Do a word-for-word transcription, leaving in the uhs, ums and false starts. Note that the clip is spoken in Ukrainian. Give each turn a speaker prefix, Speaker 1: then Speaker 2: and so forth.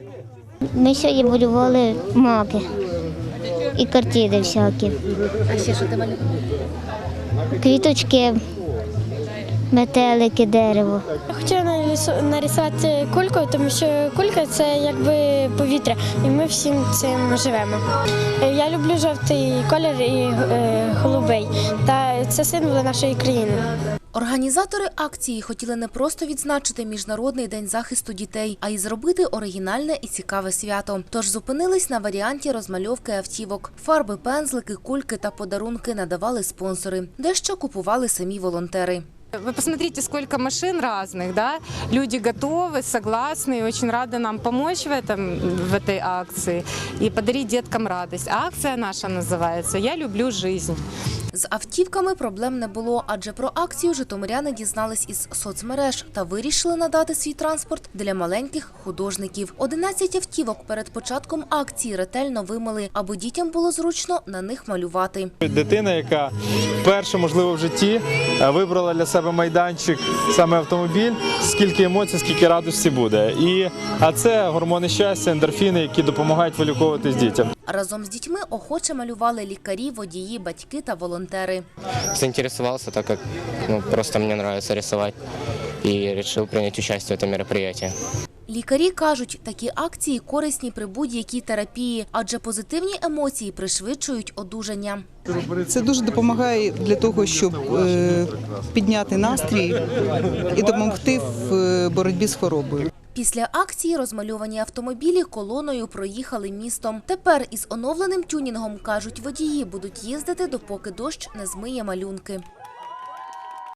Speaker 1: Ми сьогодні малювали маки і картини всякі.
Speaker 2: А ще що ти малювала?
Speaker 1: Квіточки, метелики, дерево.
Speaker 3: Я хотіла нарисувати кульку, тому що кулька – це якби повітря, і ми всім цим живемо. Я люблю жовтий колір і голубий, та це символи нашої країни.
Speaker 2: Організатори акції хотіли не просто відзначити Міжнародний день захисту дітей, а й зробити оригінальне і цікаве свято. Тож зупинились на варіанті розмальовки автівок. Фарби, пензлики, кульки та подарунки надавали спонсори. Дещо купували самі волонтери.
Speaker 4: Вы посмотрите, сколько машин разных, да? Люди готовы, согласны, очень рады нам помочь в, этом, в этой акции и подарить деткам радость. Акция наша называется «Я люблю жизнь».
Speaker 2: З автівками проблем не було, адже про акцію житомиряни дізнались із соцмереж та вирішили надати свій транспорт для маленьких художників. одинадцять автівок перед початком акції ретельно вимили, аби дітям було зручно на них малювати.
Speaker 5: Дитина, яка вперше, можливо, в житті вибрала для себе майданчик, саме автомобіль, скільки емоцій, скільки радості буде. І, а це гормони щастя, ендорфіни, які допомагають виліковуватись дітям.
Speaker 2: Разом з дітьми охоче малювали лікарі, водії, батьки та волонтери.
Speaker 6: Заинтересовался, так как ну, просто мне нравится рисовать, и решил принять участие в этом мероприятии.
Speaker 2: Лікарі кажуть, такі акції корисні при будь-якій терапії, адже позитивні емоції пришвидшують одужання.
Speaker 7: Це дуже допомагає для того, щоб підняти настрій і допомогти в боротьбі з хворобою.
Speaker 2: Після акції розмальовані автомобілі колоною проїхали містом. Тепер із оновленим тюнінгом, кажуть водії, будуть їздити, допоки дощ не змиє малюнки.